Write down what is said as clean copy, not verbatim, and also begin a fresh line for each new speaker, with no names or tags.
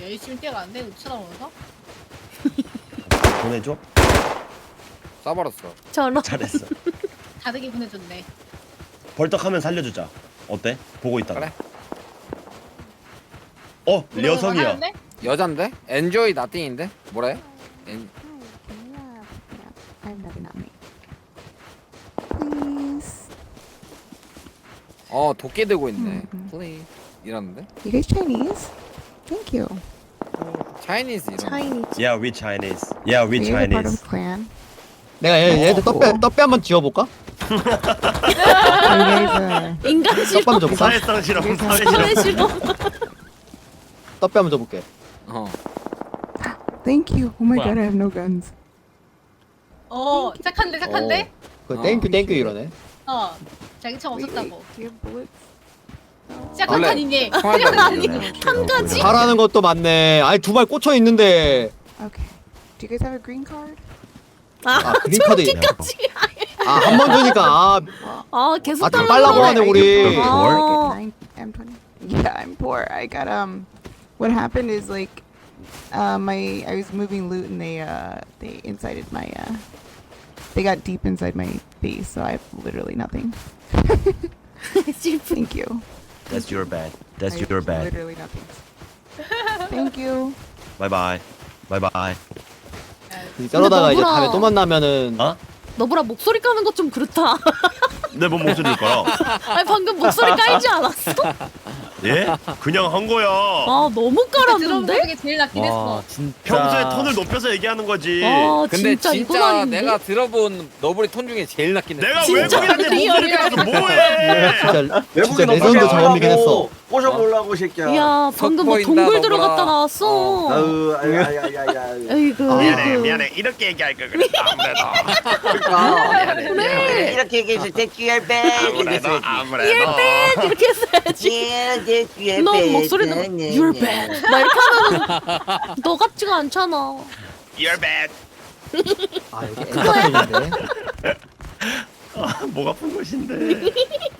열심히 뛰어가는데 우리 쳐다보면서.
보내줘.
쏴버렸어.
저런.
잘했어.
다르게 보내줬네.
벌떡하면 살려주자. 어때? 보고 있다가.
그래.
여성이야.
하는데?
여잔데? 엔조이 나띵인데? 뭐래? 엔...
I have nothing on me. Please.
도끼 들고 있네.
음.
플레이. 이러는데?
You guys Chinese? Thank you.
차이니즈 이런.
차이니즈.
Yeah, we Chinese. Yeah, we
Are you a part
Chinese.
of clan?
내가 얘한테 떡배 한번 지워볼까?
Are you guys
인간
떡배
싫어.
한번 줘볼까?
사회성 실험, 사회
사회
실험.
싫어.
떡배 한번 줘볼게.
Thank you. Oh my
뭐야?
god, I have no guns.
착한데 착한데?
그 땡큐 이러네.
자기 총
Wait,
없었다고.
do you have bullets?
시작
원래
한칸이니.
한 가지.
잘하는 것도 많네. 아니 두 발 꽂혀 있는데.
Okay. Do you guys have a green card?
아 그린 카드.
저렇게까지.
한 번 주니까.
계속
다
달라고
빨라고
그래.
하네 우리.
아.
Like a M20. Yeah, I'm poor. I got What happened is like, I was moving loot and they incited my they got deep inside my base, so I have literally nothing. Thank you.
That's your bad. That's
I have
your bad.
Literally nothing. Thank you.
Bye bye. Bye bye.
저러다가 이제
너구나.
다음에 또 만나면은.
어?
너보라 목소리 까는 것 좀 그렇다.
내 뭔 목소리일 거라.
아니 방금 목소리 깔지 않았어?
예? 그냥 한 거야.
너무
들어본 것
깔았는데?
중에 제일 낫긴 했어.
진짜.
평소에 톤을 높여서 얘기하는 거지.
근데
진짜 이건
진짜
아닌데?
내가 들어본 너브리 톤 중에 제일 낫긴 했어.
내가
진짜
외국인한테 목소리
리얼이야.
까서 뭐해?
진짜 레전드 저음이긴 했어.
꼬셔보려고 새끼야.
야 방금 뭐
보인다,
동굴
너구나.
들어갔다 나왔어.
아유, 아야야야야.
에이구.
미안해. 이렇게 얘기할 걸 그랬다. 아무래도.
그래.
이렇게 얘기해서 대기할 배.
아무래도.
이렇게 했어야지. 넌 목소리도 You're bad. 나 이렇게 하면 너 같지가 않잖아.
You're bad.
아 여기 엔터테인인데.
목 아픈 것인데.